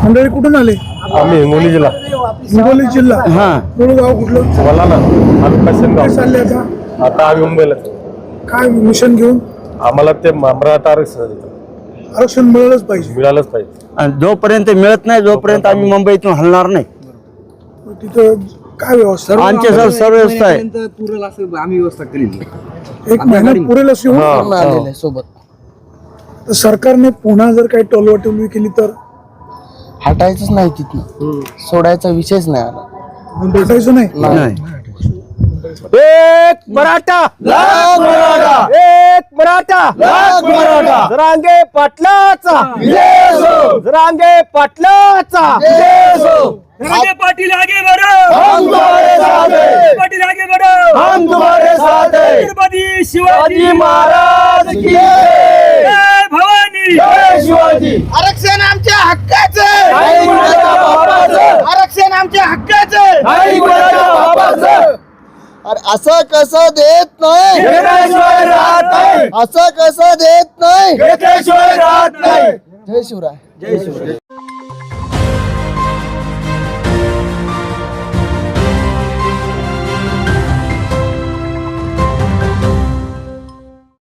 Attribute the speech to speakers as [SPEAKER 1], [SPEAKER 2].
[SPEAKER 1] मंडळी कुठून आले?
[SPEAKER 2] आम्ही हिंगोली जिल्हा
[SPEAKER 1] हिंगोली जिल्हा.
[SPEAKER 3] हा
[SPEAKER 1] मूळ गाव कुठलं?
[SPEAKER 2] बोला ना तालुका
[SPEAKER 1] काय
[SPEAKER 2] शेनगाव.
[SPEAKER 1] चालले आता?
[SPEAKER 2] आता आम्ही मुंबईला
[SPEAKER 1] काय मिशन घेऊन?
[SPEAKER 2] आम्हाला ते मराठा आरक्षण
[SPEAKER 1] आरक्षण मिळालंच पाहिजे.
[SPEAKER 2] मिळालंच पाहिजे.
[SPEAKER 3] आणि जोपर्यंत मिळत नाही जोपर्यंत आम्ही मुंबईतून हलणार नाही.
[SPEAKER 1] तिथं काय व्यवस्था?
[SPEAKER 3] आमच्या सर्व व्यवस्था आहे.
[SPEAKER 4] पुरेल असं आम्ही व्यवस्था केलेली.
[SPEAKER 1] एक महिना पुरेल अशी होऊन
[SPEAKER 4] आलेलं आहे सोबत.
[SPEAKER 1] तर सरकारने पुन्हा जर काही टोलवाटोलवी केली तर
[SPEAKER 4] हटायचंच नाही तिथनं, सोडायचा विषयच नाही आला.
[SPEAKER 1] भेटायचं नाही.
[SPEAKER 3] नाही. एक मराठा लाख मराठा, एक मराठा लाख मराठा. जरांगे पाटलाचा जरांगे पाटलाचा.
[SPEAKER 5] रंगे पाटिल आगे बढ़ो,
[SPEAKER 3] हम तुम्हारे साथ हैं.
[SPEAKER 5] पाटिल आगे बढ़ो,
[SPEAKER 3] हम तुम्हारे साथ हैं.
[SPEAKER 5] छत्रपति शिवाजी
[SPEAKER 3] शिवाजी महाराज की जय.
[SPEAKER 5] जय भवानी.
[SPEAKER 3] जय शिवाजी.
[SPEAKER 4] आरक्षण आमच्या हक्काचं,
[SPEAKER 3] नाही कुणाच्या बापाचं,
[SPEAKER 4] आरक्षण आमच्या हक्काचं.
[SPEAKER 3] नाही कुणाच्या बापाचं.
[SPEAKER 4] अरे असं कसं देत नाही,
[SPEAKER 3] घेतल्याशिवाय राहत नाही,
[SPEAKER 4] असं कसं देत नाही.
[SPEAKER 3] घेतल्याशिवाय राहत नाही.
[SPEAKER 4] जय शिवराय.